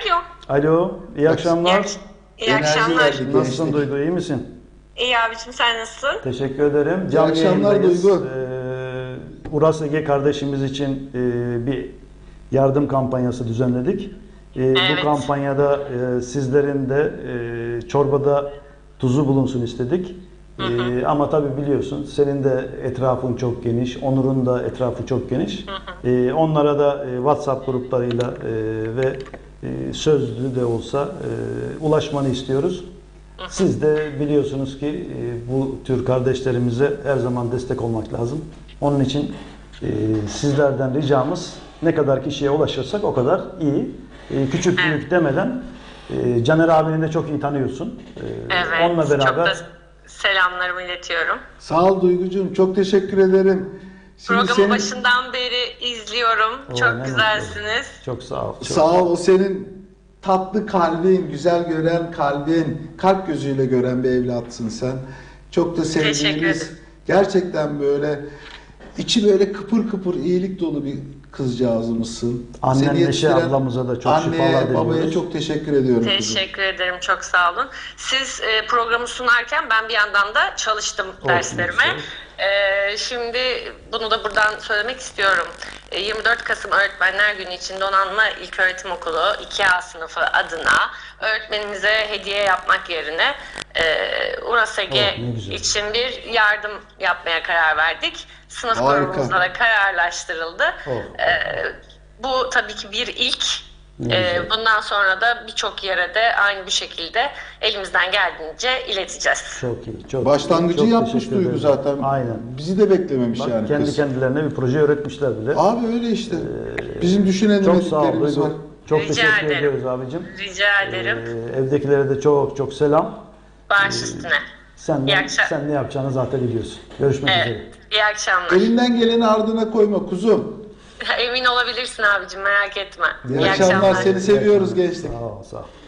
Alo. Alo, iyi akşamlar. İyi akşamlar. verdik. Nasılsın Duygu, iyi misin? İyi abicim, sen nasılsın? Teşekkür ederim. İyi akşamlar yayındayız. Duygu. Uras Ege kardeşimiz için bir yardım kampanyası düzenledik. Evet. Bu kampanyada sizlerin de çorbada tuzu bulunsun istedik. Ama tabii biliyorsun, senin de etrafın çok geniş, Onur'un da etrafı çok geniş. Onlara da WhatsApp gruplarıyla ve sözlü de olsa ulaşmanı istiyoruz. Siz de biliyorsunuz ki bu tür kardeşlerimize her zaman destek olmak lazım. Onun için sizlerden ricamız, ne kadar kişiye ulaşırsak o kadar iyi. Küçük büyük demeden, Caner abini de çok iyi tanıyorsun. Evet. Onunla beraber... Çok da selamlarımı iletiyorum. Sağ ol Duygucuğum, çok teşekkür ederim. Şimdi Programın başından beri izliyorum. Oo, Çok ne güzelsiniz. Çok sağ ol. Çok Sağ ol, o senin tatlı kalbin, güzel gören kalbin, kalp gözüyle gören bir evlatsın sen. Çok da Teşekkür sevdiğimiz, ederim. gerçekten böyle içi böyle kıpır kıpır iyilik dolu bir kızcağızımızsın. Annen Seni Neşe yetiştiren ablamıza da çok şifalar anneye, babaya diliyoruz. çok teşekkür ediyorum kızım. Teşekkür ederim. Çok sağ olun. Siz programı sunarken ben bir yandan da çalıştım derslerime. Şimdi bunu da buradan söylemek istiyorum. 24 Kasım Öğretmenler Günü için Donanma İlköğretim Okulu 2A sınıfı adına öğretmenimize hediye yapmak yerine Uras Ege ne güzel. için bir yardım yapmaya karar verdik. Sınıf Harika. grubumuzda da kararlaştırıldı. Oh. Bu tabii ki bir ilk. Ne güzel. Bundan sonra da birçok yere de aynı bu şekilde elimizden geldiğince ileteceğiz. Çok iyi. Çok Başlangıcı çok yapmış teşekkür Duygu ederim. zaten. Aynen. Bizi de beklememiş Bak, yani kendi kız. kendilerine bir proje öğretmişler bile. Abi öyle işte. Bizim Çok sağ ol Duygu. düşünemediklerimiz var. Duygu. Çok Rica teşekkür ederim. ediyoruz abicim. Rica ederim. Evdekilere de çok çok selam. Baş üstüne. Sen İyi akşam- sen ne yapacağını zaten biliyorsun. Görüşmek üzere. Evet. İyi akşamlar. Elinden geleni ardına koyma kuzum. Emin olabilirsin abicim, merak etme. İyi akşamlar. Seni seviyoruz gençlik. Sağ ol, sağ ol.